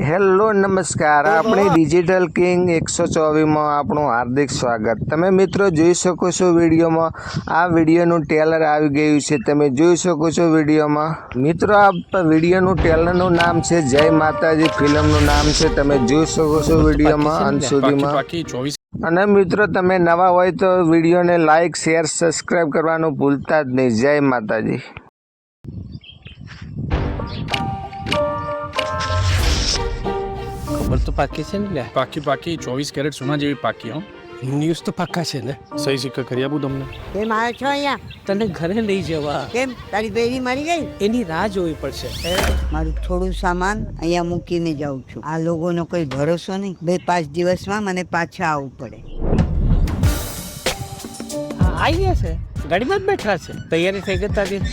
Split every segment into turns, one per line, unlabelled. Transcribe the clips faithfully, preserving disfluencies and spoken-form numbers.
Hello નમસ્કાર, આપણી digital king એકસો ચોવીસમાં આપણું હાર્દિક સ્વાગત। તમે મિત્રો જોઈ શકો છો વિડીયોમાં, આ વિડીયોનું ટેલર આવી ગયું છે। તમે જોઈ શકો છો વિડીયોમાં મિત્રો, આ વિડીયોનું ટેલરનું નામ છે જય માતાજી, ફિલ્મનું નામ છે। તમે જોઈ શકો છો વિડીયોમાં અંત સુધીમાં। અને મિત્રો તમે નવા હોય તો વિડીયોને લાઈક શેર સબસ્ક્રાઈબ કરવાનું ભૂલતા જ નહીં। જય માતાજી।
ખબર તો પાકી છે ને લે,
પાકી પાકી ચોવીસ કેરેટ સોના જેવી પાકી હો।
ન્યૂઝ તો પાકા છે ને।
સહી સિક્કા કરી આપું તમને?
કેમ આવ્યો છો અહીંયા?
તને ઘરે લઈ જવા।
કેમ તારી બેરી મરી ગઈ?
એની રાહ જોવી પડશે।
મારું થોડું સામાન અહીંયા મૂકીને જાઉં છું। આ લોકોનો કોઈ ભરોસો નહીં, બે પાંચ દિવસમાં મને પાછા આવવું પડે।
આવી ગયા છે, ગાડીમાં જ બેઠા છે। તૈયારી થઈ ગઈ તારી?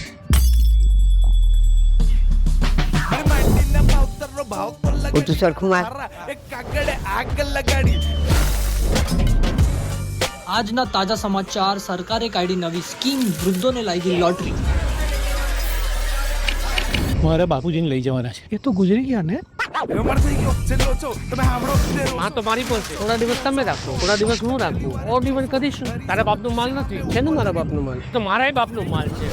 તું સરખું માર।
આજના તાજા સમાચાર। સરકારે કાઢી નવી સ્કીમ, વૃદ્ધોને લાગી લોટરી।
મારા બાપુજીને લઈ જવાના છે, એ તો ગુજરી ગયા ને।
હા તો મારી પાસે થોડા દિવસ તમે રાખો, થોડા દિવસ હું રાખું, ઓર દિવસ કરીશું। તારા બાપનું માલ નથી છે ને? મારા બાપનું માલ તો મારા બાપનું માલ છે।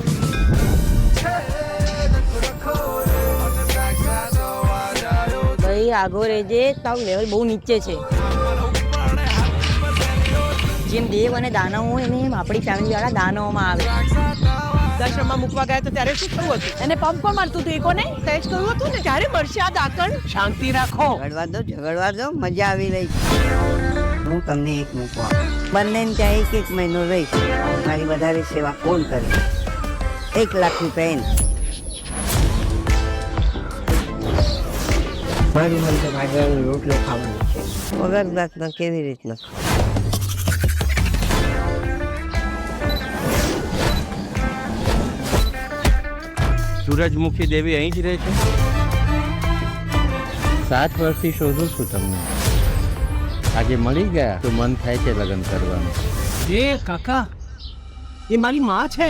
ભાઈ આગો રેજે, તારું લેવલ બહુ નીચે છે। જેમ દેવ અને દાનવ હોય ને, એમ આપણી ફેમિલી વાળા દાનવમાં આવે।
દર્શનમાં મૂકવા ગયા તો ત્યારે શું થયું હતું? એને પંપ પણ મારતું હતું, એ કોને સહેજ કહ્યું હતું ને, ક્યારે મળશે આ દાકણ?
શાંતિ રાખો।
ઝઘડવા દો ઝઘડવા દો, મજા આવી રહી છે। હું તમને એક મૂકવા બંનેને ત્યાં એક એક મહિનો રહીશ। મારી વધારે સેવા કોણ કરે? એક લાખ રૂપિયા એને। મારી મને ભાગવાનો રોટલો ખાવાનો છે, વગર જાતના કેવી રીતના?
સૂરજમુખી દેવી અહીં જ રહે છે? સાત વર્ષથી શોધું છું તમને, આજે મળી ગયા તો મન થાય છે લગ્ન કરવાનું।
એ કાકા, એ મારી માં છે।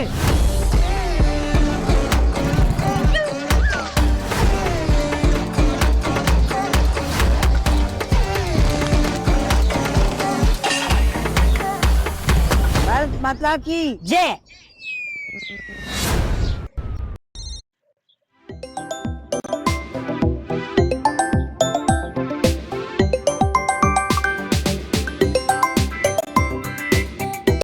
ભારત માતા કી જય।